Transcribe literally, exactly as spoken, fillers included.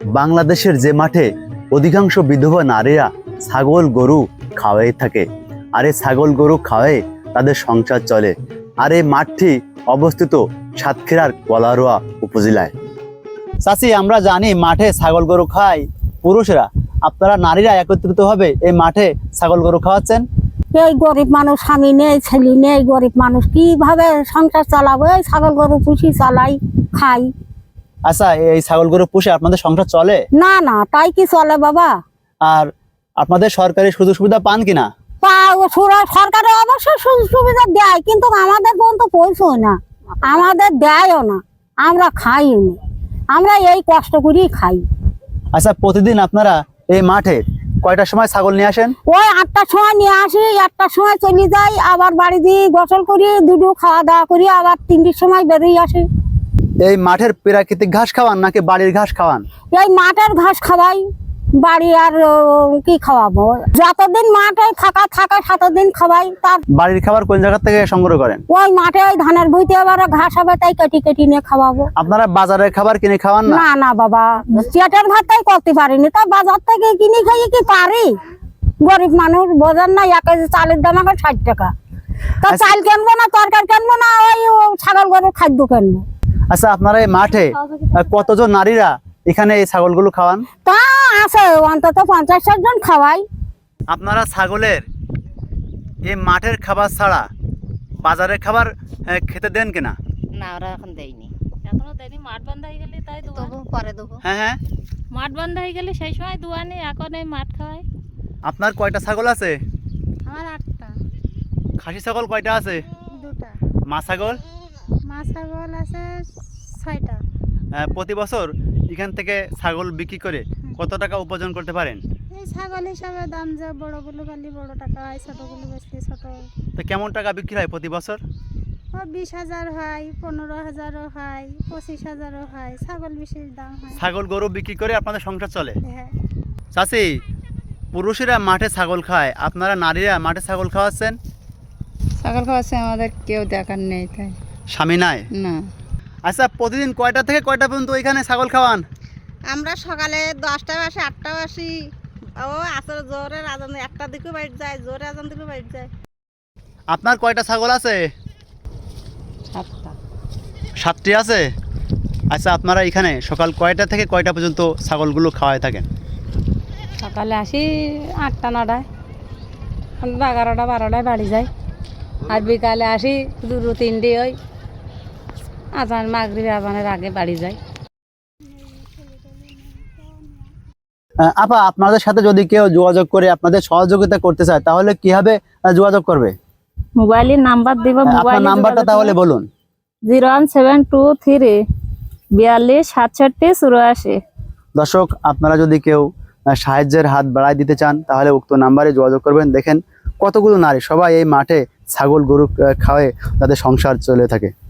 বাংলাদেশের যে মাঠে অধিকাংশ বিধবা নারীরা ছাগল গরু খাওয়াই থাকে, আর এই ছাগল গরু খাওয়াই তাদের সংসার চলে। আর এই মাঠটি অবস্থিত সাতক্ষীরার কলারোয়া উপজেলায়। চাচি, আমরা জানি মাঠে ছাগল গরু খায় পুরুষরা, আপনারা নারীরা একত্রিত ভাবে এই মাঠে ছাগল গরু খাওয়াচ্ছেন। এই গরিব মানুষ, স্বামী নেই, ছেলে নেই, গরিব মানুষ কিভাবে সংসার চালাবো? এই ছাগল গরু পুষি, চালাই, খাই। আচ্ছা, এই ছাগল গরু পুষে আপনাদের সংসার চলে? না না, তাই কি চলে বাবা? আর আপনাদের সরকারি সুযোগ সুবিধা পান কিনা? সরকারে অবশ্য সুযোগ সুবিধা দেয়, কিন্তু আমাদের পর্যন্ত পৌঁছয় না, আমাদের দেয়ও না, আমরা খাইও না, আমরা এই কষ্ট করেই খাই। আচ্ছা, প্রতিদিন আপনারা এই মাঠে কয়টার সময় ছাগল নিয়ে আসেন? ওই আটটার সময় নিয়ে আসি, আটটার সময় চলে যাই, আবার বাড়ি দিয়ে গোসল করি, দুটো খাওয়া দাওয়া করি, আবার তিনটের সময় বেরিয়ে আসি। এই মাঠের প্রাকৃতিক ঘাস খাওয়ান নাকি বাড়ির ঘাস খাওয়ান? এই মাঠের ঘাস খাওয়াই, বাড়ি আর কি খাওয়াবো? যতদিন মাঠে থাকা থাকে ততদিন খাওয়াই। তার বাড়ির খাবার কোন জায়গা থেকে সংগ্রহ করেন? ওই মাঠে ওই ধানের ভুঁইতে আবার ঘাস হবে, তাই কেটে কেটে নিয়ে খাওয়াবো। আপনারা বাজারের খাবার কিনে খাওয়ান না? না না বাবা, পেটের ভাতটাই করতে পারিনি, তা বাজার থেকে কিনে খাইয়ে কি পারি? গরিব মানুষ, বোঝেন না, এক কেজি চালের দাম এখন ষাট টাকা। তা চাল কিনবো না, তরকারি কিনবো না, ওই ছাগল গরুর খাদ্য কিনবো। আচ্ছা, আপনারা এই মাঠে কতজন নারীরা এখানে এই ছাগলগুলো খাওয়ান? তা আছে অন্তত পঞ্চাশ ষাট জন খাওয়াই। আপনারা ছাগলের এই মাঠের খাবার ছাড়া বাজারের খাবার খেতে দেন কিনা? না, ওরা এখন দেয়নি, এখনো দেয়নি। মাঠ বন্ধ হয়ে গেলে তাই দেবো, পরে দেবো। হ্যাঁ হ্যাঁ, মাঠ বন্ধ হয়ে গেলে সেই সময় দোয়ানি, এখন এই মাঠ খাওয়াই। আপনার কয়টা ছাগল আছে? আমার আটটা। খাসি ছাগল কয়টা আছে? দুটা। মা ছাগল? মা ছাগল আছে ছয়টা। প্রতি বছর এখান থেকে ছাগল বিক্রি করে কত টাকা উপার্জন করতে পারেন? এই ছাগল হিসাবে দাম যা, বড়গুলো খালি বড় টাকা হয়, ছোটগুলো বেশি ছোট। তো কেমন টাকা বিক্রি হয় প্রতি বছর? ও বিশ হাজার হয়, পনেরো হাজারও হয়, পঁচিশ হাজারও হয়, ছাগল বিশেষ দাম হয়। ছাগল গরু বিক্রি করে আপনাদের সংসার চলে? হ্যাঁ। চাচি, পুরুষেরা মাঠে ছাগল খায়, আপনারা নারীরা মাঠে ছাগল খাওয়াচ্ছেন? ছাগল খাওয়াচ্ছে, আমাদের কেউ দেখার নেই, তাই স্বামী নাই? না। আচ্ছা, প্রতিদিন কয়টা থেকে কয়টা পর্যন্ত ওইখানে ছাগল খাওয়ান? আমরা সকালে দশটা বাসি, আটটা বাসি, ও আসলে জোরে আজান, একটা দিকে বাইট যায়, জোরে আজান দিকে বাইট যায়। আপনার কয়টা ছাগল আছে? সাতটা। সাতটি আছে? আচ্ছা, আপনারা এখানে সকাল কয়টা থেকে কয়টা পর্যন্ত ছাগলগুলো খাওয়ায় থাকেন? সকালে আসি আটটা নটায়, এগারোটা বারোটায় বাড়ি যাই। আর বিকালে আসি দুটো তিনটে, ওই আজান মাগরিব আজানের আগে বাড়ি যাই। আপা, আপনাদের সাথে যদি কেউ যোগাযোগ করে আপনাদের সহযোগিতা করতে চায় তাহলে কিভাবে যোগাযোগ করবে? মোবাইলের নাম্বার দিব, আপনার নাম্বারটা তাহলে বলুন। Zero one seven two three বিয়াল্লিশ সাতষট্টি চুরাশি। দর্শক, আপনারা যদি কেউ সাহায্যের হাত বাড়ায় দিতে চান তাহলে উক্ত নাম্বারে যোগাযোগ করবেন। দেখেন কতগুলো নারী সবাই এই মাঠে ছাগল গরু খাওয়ায় তাদের সংসার চলে থাকে।